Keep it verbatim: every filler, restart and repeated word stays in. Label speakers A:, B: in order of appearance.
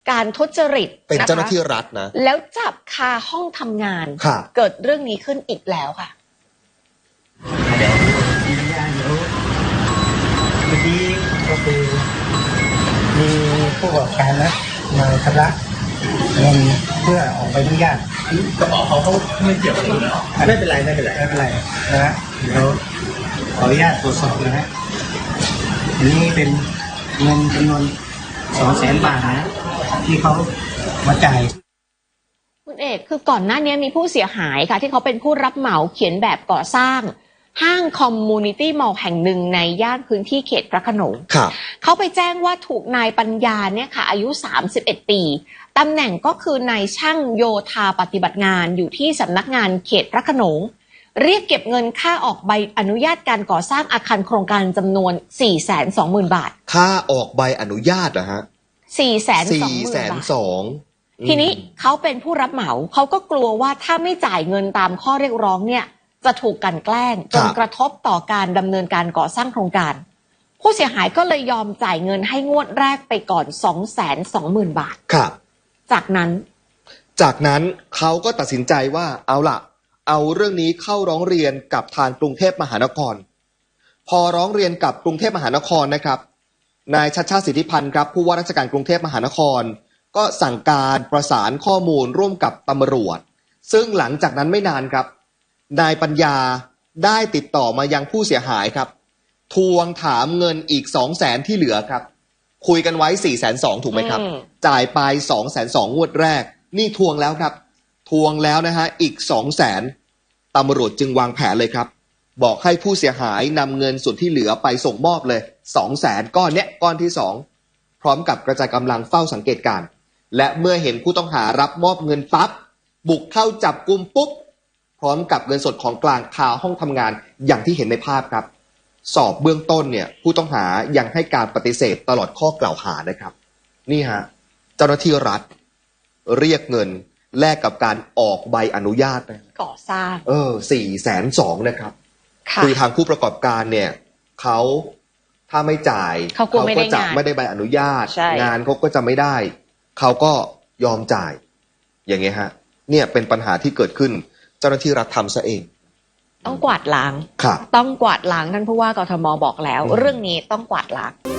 A: การทุจริต
B: เป็นเจ้าหน้าที่รัฐนะ
A: แล้วจับคาห้องทำงานเกิดเรื่องนี้ขึ้นอีกแล้วค่ะ
C: เดี๋ยวเดี๋ยวเมื่อกี้ก็คือมีผู้ประกอบการนะมาชำระเงินเพื่อออกใบอนุญาตก็ออกเขาเขาไม่เกี่ยวกับคุณไม่เป็นไรไม่เป็นไรไม่เป็นไรนะฮะเดี๋ยวขออนุญาตตรวจสอบนะฮะอันนี้เป็นเงินจำนวนสองแสนบาทนะที่เขามาจ่าย
A: คุณเอกคือก่อนหน้านี้มีผู้เสียหายค่ะที่เขาเป็นผู้รับเหมาเขียนแบบก่อสร้างห้างคอมมูนิตี้มอลล์แห่งหนึ่งในย่านพื้นที่เขตพระโขนงเขาไปแจ้งว่าถูกนายปัญญาเนี่ยค่ะอายุสามสิบเอ็ดปีตำแหน่งก็คือนายช่างโยธาปฏิบัติงานอยู่ที่สำนักงานเขตพระโขนงเรียกเก็บเงินค่าออกใบอนุญาตการก่อสร้างอาคารโครงการจำนวน สี่แสนสองหมื่น บาท
B: ค่าออกใบอนุญาตเหรอฮะ
A: สี่แสนสองหมื่น บาททีนี้เขาเป็นผู้รับเหมาเขาก็กลัวว่าถ้าไม่จ่ายเงินตามข้อเรียกร้องเนี่ยจะถูกกลั่นแกล้งจนกระทบต่อการดำเนินการก่อสร้างโครงการผู้เสียหายก็เลยยอมจ่ายเงินให้งวดแรกไปก่อน สองแสนสองหมื่น บาท
B: ครับ
A: จากนั้น
B: จากนั้นเขาก็ตัดสินใจว่าเอาล่ะเอาเรื่องนี้เข้าร้องเรียนกับทางกรุงเทพมหานครพอร้องเรียนกับกรุงเทพมหานครนะครับนายชัชชาติสิทธิพันธ์ครับผู้ว่าราชการกรุงเทพมหานครก็สั่งการประสานข้อมูลร่วมกับตำรวจซึ่งหลังจากนั้นไม่นานครับนายปัญญาได้ติดต่อมายังผู้เสียหายครับทวงถามเงินอีก สองแสน ที่เหลือครับคุยกันไว้ สี่แสนสองหมื่น ถูกไหมครับจ่ายไป สองแสนสองหมื่น งวดแรกนี่ทวงแล้วครับทวงแล้วนะฮะอีก สองแสน ตำรวจจึงวางแผนเลยครับบอกให้ผู้เสียหายนำเงินส่วนที่เหลือไปส่งมอบเลย สองแสน ก้อนเนี้ยก้อนที่สองพร้อมกับกระจายกำลังเฝ้าสังเกตการณ์และเมื่อเห็นผู้ต้องหารับมอบเงินปั๊บบุกเข้าจับกุมปุ๊บพร้อมกับเงินสดของกลางคาห้องทำงานอย่างที่เห็นในภาพครับสอบเบื้องต้นเนี่ยผู้ต้องหายังให้การปฏิเสธตลอดข้อกล่าวหานะครับนี่ฮะเจ้าหน้าที่รัฐเรียกเงินแลกกับการออกใบอนุญาต
A: ก่อสร้าง
B: เออสี่แสนสองนะครับคือทางผู้ประกอบการเนี่ยเขาถ้าไม่จ่าย
A: เขาก็
B: จะไม่ได้ใบอนุญาตงานเขาก็จะไม่ได้เขาก็ยอมจ่ายอย่างเงี้ยฮะเนี่ยเป็นปัญหาที่เกิดขึ้นเจ้าหน้าที่รัฐทำซะเอง
A: ต้องกวาดล้างต้องกวาดล้างท่านผู้ว่ากทมบอกแล้วเรื่องนี้ต้องกวาดล้าง